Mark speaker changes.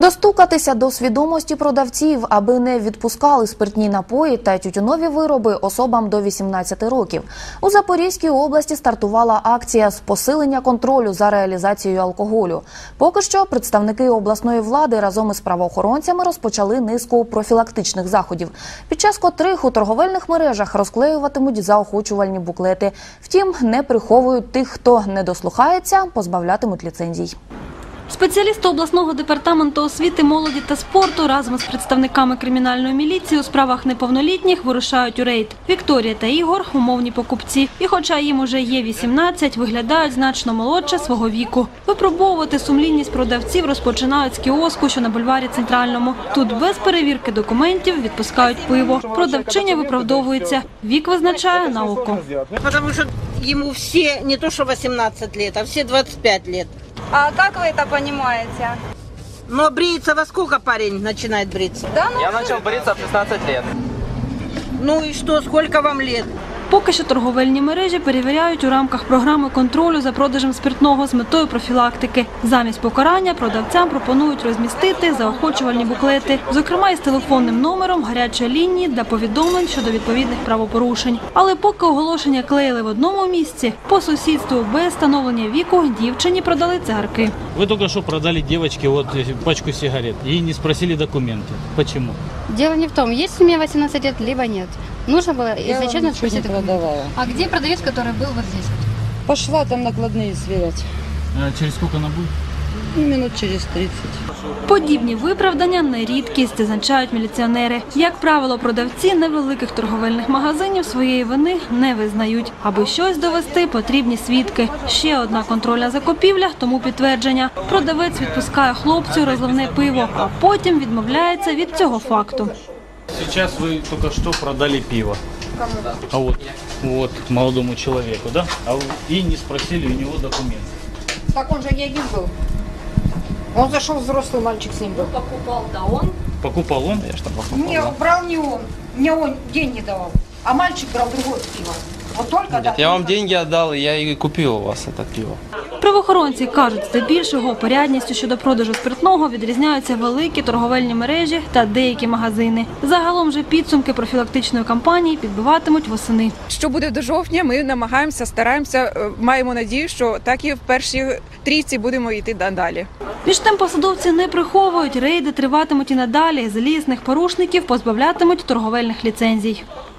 Speaker 1: Достукатися до свідомості продавців, аби не відпускали спиртні напої та тютюнові вироби особам до 18 років. У Запорізькій області стартувала акція з посилення контролю за реалізацією алкоголю. Поки що представники обласної влади разом із правоохоронцями розпочали низку профілактичних заходів, під час котрих у торговельних мережах розклеюватимуть заохочувальні буклети. Втім, не приховують тих, хто не дослухається, позбавлятимуть ліцензій.
Speaker 2: Спеціалісти обласного департаменту освіти, молоді та спорту разом з представниками кримінальної міліції у справах неповнолітніх вирушають у рейд. Вікторія та Ігор – умовні покупці. І хоча їм уже є 18, виглядають значно молодше свого віку. Випробовувати сумлінність продавців розпочинають з кіоску, що на бульварі Центральному. Тут без перевірки документів відпускають пиво. Продавчиня виправдовується. Вік визначає на око.
Speaker 3: Тому що йому всі, не то що 18 років, а всі 25 років.
Speaker 4: А как вы это понимаете?
Speaker 3: Но бреется во сколько парень начинает бриться?
Speaker 4: Да,
Speaker 5: Я начал бриться в 16 лет.
Speaker 3: Ну и что, сколько вам лет?
Speaker 2: Поки що торговельні мережі перевіряють у рамках програми контролю за продажем спиртного з метою профілактики. Замість покарання продавцям пропонують розмістити заохочувальні буклети, зокрема із телефонним номером гарячої лінії для повідомлень щодо відповідних правопорушень. Але поки оголошення клеїли в одному місці, по сусідству без встановлення віку дівчині продали цигарки.
Speaker 6: Вы только что продали девочке пачку сигарет. Ей не спросили документы. Почему?
Speaker 7: Дело не в том, есть у меня 18 лет, либо нет. Нужно было, если честно, спросить.
Speaker 8: Продавала.
Speaker 7: А где продавец, который был вот здесь?
Speaker 8: Пошла там накладные сверять.
Speaker 6: Через сколько она будет?
Speaker 8: Минут через 30.
Speaker 2: Подібні виправдання не рідкість, зазначають міліціонери. Як правило, продавці невеликих торговельних магазинів своєї вини не визнають. Аби щось довести, потрібні свідки. Ще одна контрольна закупівля, тому підтвердження. Продавець відпускає хлопцю розливне пиво, а потім відмовляється від цього факту.
Speaker 6: Сейчас вы только что продали пиво. А вот молодому человеку, да? И не спросили у него документы.
Speaker 9: Так он же не один был. Он зашел, взрослый мальчик с ним был.
Speaker 2: Покупав, да он?
Speaker 6: Покупал он?
Speaker 9: Не, брал не он. Мне он деньги давал. А мальчик брал другое пиво. Вот только
Speaker 5: Нет, я вам деньги отдал, и я и купил у вас это пиво.
Speaker 2: Правоохоронці кажуть, здебільшого порядністю щодо продажу спиртного відрізняються великі торговельні мережі та деякі магазини. Загалом же підсумки профілактичної кампанії підбиватимуть восени.
Speaker 10: Що буде до жовтня, ми намагаємося, стараємося, маємо надію, що так і в першій трійці будемо йти далі.
Speaker 2: Між тим посадовці не приховують, рейди триватимуть і надалі. Злісних порушників позбавлятимуть торговельних ліцензій.